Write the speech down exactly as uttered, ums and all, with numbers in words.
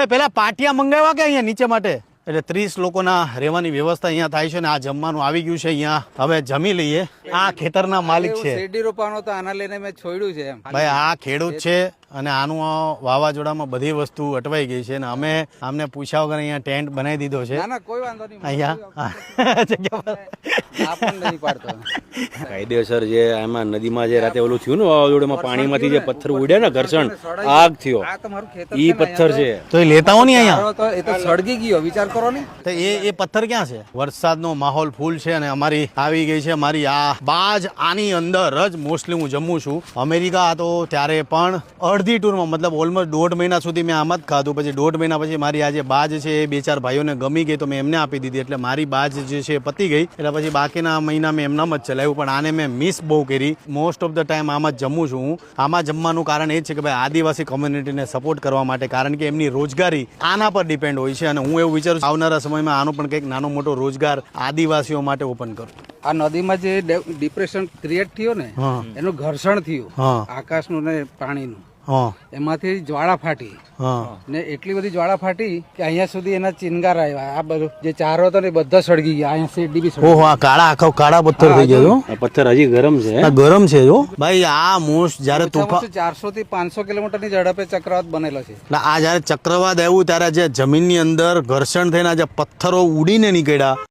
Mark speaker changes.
Speaker 1: પેલા પાટિયા મંગાવ્યા કે અહીંયા નીચે માટે? એટલે ત્રીસ લોકોના રહેવાની વ્યવસ્થા અહીંયા થાય છે ને આ જમવાનું આવી ગયું છે અહીંયા. હવે જમી લઈએ. આ ખેતરના માલિક છે.
Speaker 2: શેરડી રોપાનો તો આના લઈને મેં છોડ્યું છે એમ.
Speaker 1: ભાઈ આ ખેડૂત છે અને આનું વાવાઝોડામાં બધી વસ્તુ અટવાઈ ગઈ છે ને અમે આમને પૂછ્યા વગર અહીંયા ટેન્ટ બનાવી દીધો છે
Speaker 2: ના ના કોઈ વાંધો નહીં.
Speaker 1: અહીંયા જગ્યા
Speaker 2: આ પણ નહીં પાડતો.
Speaker 3: કાયદેસર જે આમાં નદીમાં જે રાતે ઓલું થયું ને વાવાઝોડામાં પાણીમાંથી જે પથ્થર ઉડ્યા ને ઘર્ષણ આગ થયો
Speaker 2: આ તમારું ખેતર
Speaker 3: ઈ પથ્થર છે.
Speaker 1: તો એ લેતા હો ને અહીંયા.
Speaker 2: તો એ તો સળગી ગયો, વિચાર કરો ને.
Speaker 1: તો એ એ પથ્થર ક્યાં છે? વરસાદનો માહોલ ફૂલ છે અને અમારી આવી ગઈ છે મારી આ બાજ. આની અંદર જ મોસ્ટલી હું જમું છું. અમેરિકા હતો ત્યારે પણ અડધી ટૂરમાં મતલબ ઓલમોસ્ટ દોઢ મહિના સુધી મેં આમ જ ખાધું. પછી દોઢ મહિના પછી મારી આ જે બાજ છે એ બે ચાર ભાઈઓને ગમી ગઈ તો મેં એમને આપી દીધી. એટલે મારી બાજ જે છે એ પતી ગઈ. એટલે પછી બાકીના મહિના મેં એમનામ જ ચલાવ્યું. પણ આને મેં મિસ બહુ કરી. મોસ્ટ ઓફ ધ ટાઈમ આમ જ જમું છું હું. આમાં જમવાનું કારણ એ જ છે કે ભાઈ આદિવાસી કોમ્યુનિટીને સપોર્ટ કરવા માટે, કારણ કે એમની રોજગારી આના પર ડિપેન્ડ હોય છે. અને હું એવું વિચારું છું આવનારા સમયમાં આનો પણ કંઈક નાનો મોટો રોજગાર આદિવાસીઓ માટે ઓપન કરું.
Speaker 2: આ નદીમાં જે ડિપ્રેશન ક્રિએટ થયો ને એનું ઘર્ષણ થયું આકાશનું ને પાણીનું. એમાંથી જ્વાળા ફાટી ને એટલી બધી જ્વાળા ફાટી કે અહીંયા સુધી એના ચિનગાર આવ્યા. આ બધું જે ચારો હતો ને બધા સળગી ગયા. અહીંયા શેરડી બી સળગી.
Speaker 1: ઓહો આ કાળા આખો કાળા પથ્થર થઈ ગયો.
Speaker 3: આ પથ્થર હજી ગરમ છે.
Speaker 1: આ ગરમ છે જો ભાઈ. આ મોસ્ટ જયારે તોફાન
Speaker 2: ચારસો થી પાંચસો કિલોમીટર ની ઝડપે ચક્રવાત બનેલો છે.
Speaker 1: એટલે આ જયારે ચક્રવાત આવ્યું ત્યારે જે જમીનની અંદર ઘર્ષણ થઈને જે પથ્થરો ઉડીને નીકળ્યા